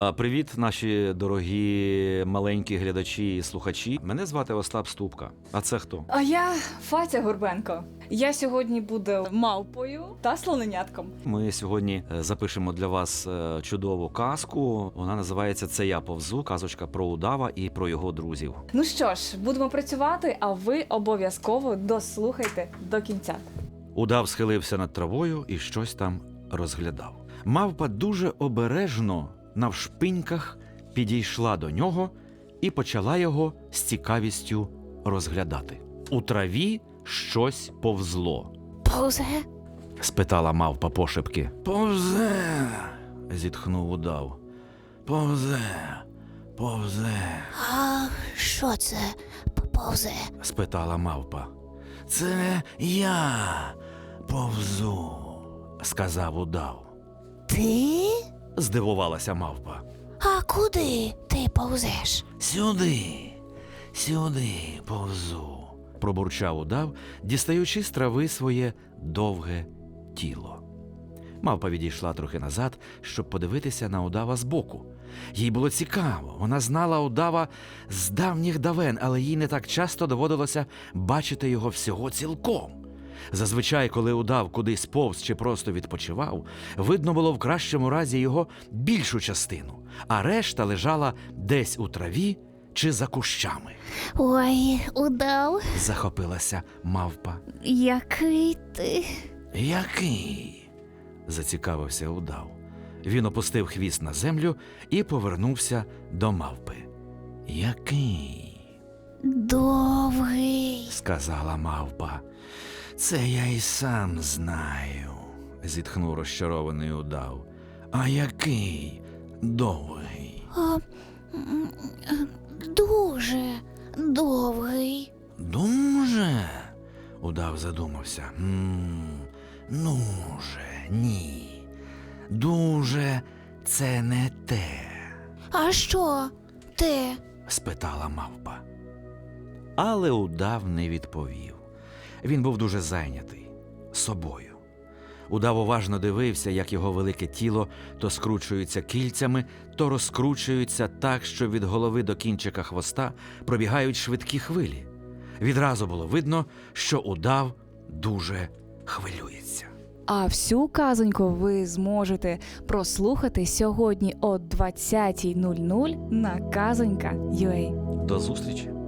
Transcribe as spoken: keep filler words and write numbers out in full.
А, Привіт, наші дорогі маленькі глядачі і слухачі. Мене звати Остап Ступка. А це хто? А я Фатя Горбенко. Я сьогодні буду мавпою та слоненятком. Ми сьогодні е, запишемо для вас е, чудову казку. Вона називається «Це я повзу», казочка про удава і про його друзів. Ну що ж, будемо працювати, а ви обов'язково дослухайте до кінця. Удав схилився над травою і щось там розглядав. Мавпа дуже обережно навшпиньках підійшла до нього і почала його з цікавістю розглядати. У траві щось повзло. Повзе? Спитала мавпа пошепки. Повзе, зітхнув удав. Повзе, повзе, А що це повзе? спитала мавпа. Це я повзу, сказав удав. Ти? Здивувалася мавпа. А куди ти повзеш? Сюди, сюди повзу, пробурчав удав, дістаючи з трави своє довге тіло. Мавпа відійшла трохи назад, щоб подивитися на удава збоку. Їй було цікаво, вона знала удава з давніх давен, але їй не так часто доводилося бачити його всього цілком. Зазвичай, коли удав кудись повз чи просто відпочивав, видно було в кращому разі його більшу частину, а решта лежала десь у траві чи за кущами. Ой, удав, Захопилася мавпа. який ти? Який? Зацікавився удав. Він опустив хвіст на землю і повернувся до мавпи. Який? Довгий. Сказала мавпа. Це я й сам знаю, зітхнув розчарований удав. А який довгий? А, м, дуже довгий. Дуже? Удав задумався. М, Ну же, ні. Дуже це не те, А що ти? спитала мавпа. Але удав не відповів. Він був дуже зайнятий собою. Удав уважно дивився, як його велике тіло то скручується кільцями, то розкручується так, що від голови до кінчика хвоста пробігають швидкі хвилі. Відразу було видно, що удав дуже хвилюється. А всю казоньку ви зможете прослухати сьогодні о двадцятій нуль нуль на казонька крапка ю а. До зустрічі!